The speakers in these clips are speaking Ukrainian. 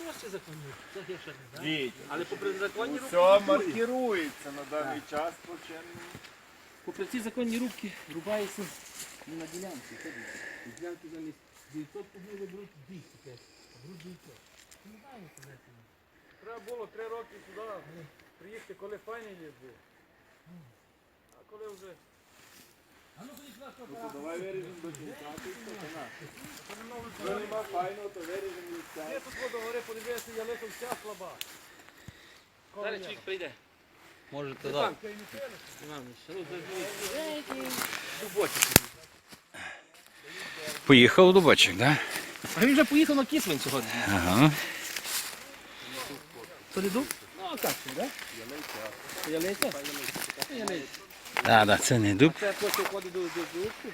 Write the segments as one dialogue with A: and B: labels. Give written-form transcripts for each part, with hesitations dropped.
A: у вас ще законні рубки? Це є ще не, так?
B: Діть.
A: Але попри законні рубки...
B: Все маркірується на даний час по чинному.
A: Попри ці законні рубки рубається не на ділянці. Ділянки замість 900 кубів ви беруть 200 п'ять. Беруть 900. Не знаю, що це.
C: Треба було 3 роки сюди приїхати, коли файний ліс був. А коли вже...
A: А ну ходіть сюди, що
B: То давай виріжемо до кінця, ти що на. Якщо нема файного, то виріжемо від
C: Я тут до гори подивився, ялика вся слаба.
A: Зараз чоловік прийде. Може туди. Дубочок.
D: Поїхав у Дубочок, так?
A: А він вже поїхав на Кіслин сьогодні.
D: Ага.
A: То не дуб? Ну, а так, так? Ялиця. Ялиця.
D: Так, це не дуб.
A: Це просто входить до дубку.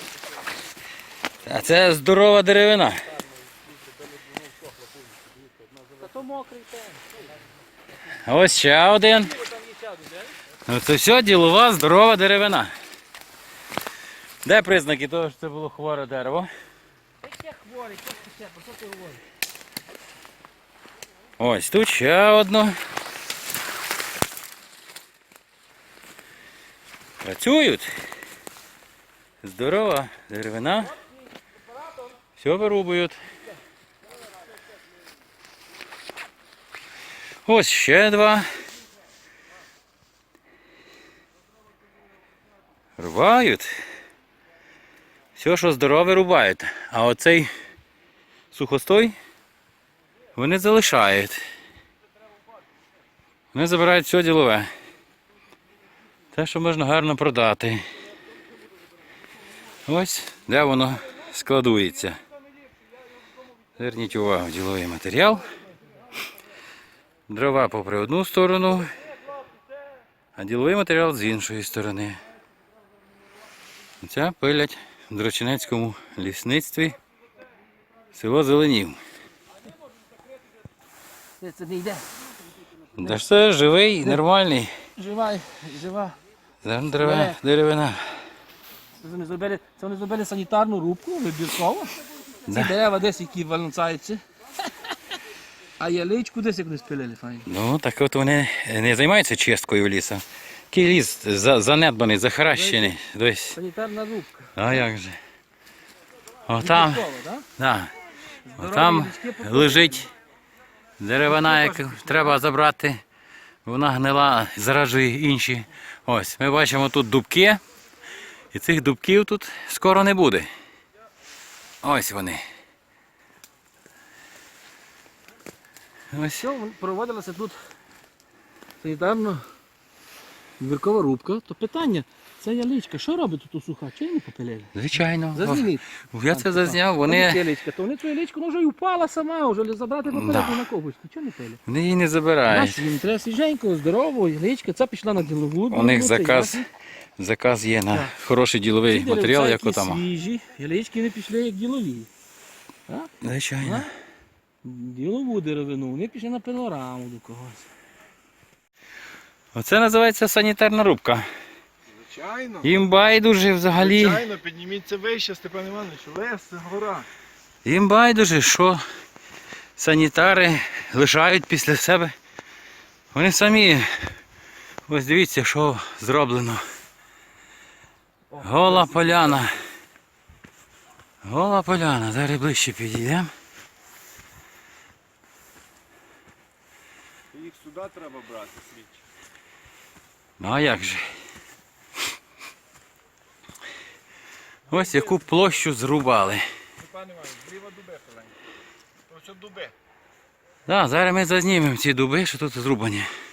D: А це здорова деревина.
A: Та то мокрий те.
D: А ось ще один.
A: Там є сяду, де?
D: Ну це все ділова, здорова деревина. Де признаки того, що це було хворе дерево?
A: Яке хворий, що ти ще, про що ти говориш?
D: Ось тут ще одно. Працюють. Здорова деревина. Все вирубують. Ось ще два. Рубають. Все, що здорове, рубають. А оцей сухостой вони залишають. Вони забирають все ділове. Те, що можна гарно продати. Ось де воно складується. Зверніть увагу, діловий матеріал. Дрова попри одну сторону, а діловий матеріал з іншої сторони. Це пилять в Дрочинецькому лісництві, село Зеленів.
A: Це не йде.
D: Де ж це живий, нормальний.
A: Жива.
D: Деревина.
A: Це вони зробили санітарну рубку, вибірково. Ці дерева десь які валюцаються. А яличку десь як не спилили, файно.
D: Ну, так от вони не займаються чисткою лісу. Такий ліс занедбаний, захаращений. Десь.
A: Санітарна рубка.
D: А як же? Отам,
A: Вибірково, так?
D: да. Отам лежить деревина, яку треба забрати. Вона гнила, заражує інші. Ось, ми бачимо тут дубки. І цих дубків тут скоро не буде. Ось вони. Ось.
A: Все, проводилася тут санітарна вибіркова рубка. То питання, ця яличка, що робить тут суха? Чого не попилили?
D: Звичайно.
A: Зазніміть.
D: Я це зазняв.
A: Вони...
D: Вони
A: яличка, то вони цю яличку вже й упала сама, вже забрати попереду на когось. Чого не пили?
D: її не забирають.
A: Бачите, їм треба свіженьку, здорову, яличка, ця пішла на ділову.
D: У них заказ є на хороший діловий матеріал, як отама.
A: Свіжі, ялички не пішли як ділові.
D: Звичайно.
A: Ділову деревину, вони пішли на пилораму до когось.
D: Оце називається санітарна рубка.
B: Звичайно.
D: Їм байдуже взагалі.
B: Звичайно, підніміться вище, Степан Іванович, лес, це гора.
D: Їм байдуже, що санітари лишають після себе. Вони самі, ось дивіться, що зроблено. Гола поляна. Гола поляна. Зараз ближче підійдемо.
B: Їх сюди треба брати, слідчі.
D: Ну а як же? Ось яку площу зрубали.
B: Степан Іванович, зліва дуби хиленькі. Ось от дуби.
D: Так, зараз ми зазнімемо ці дуби, що тут зрубані.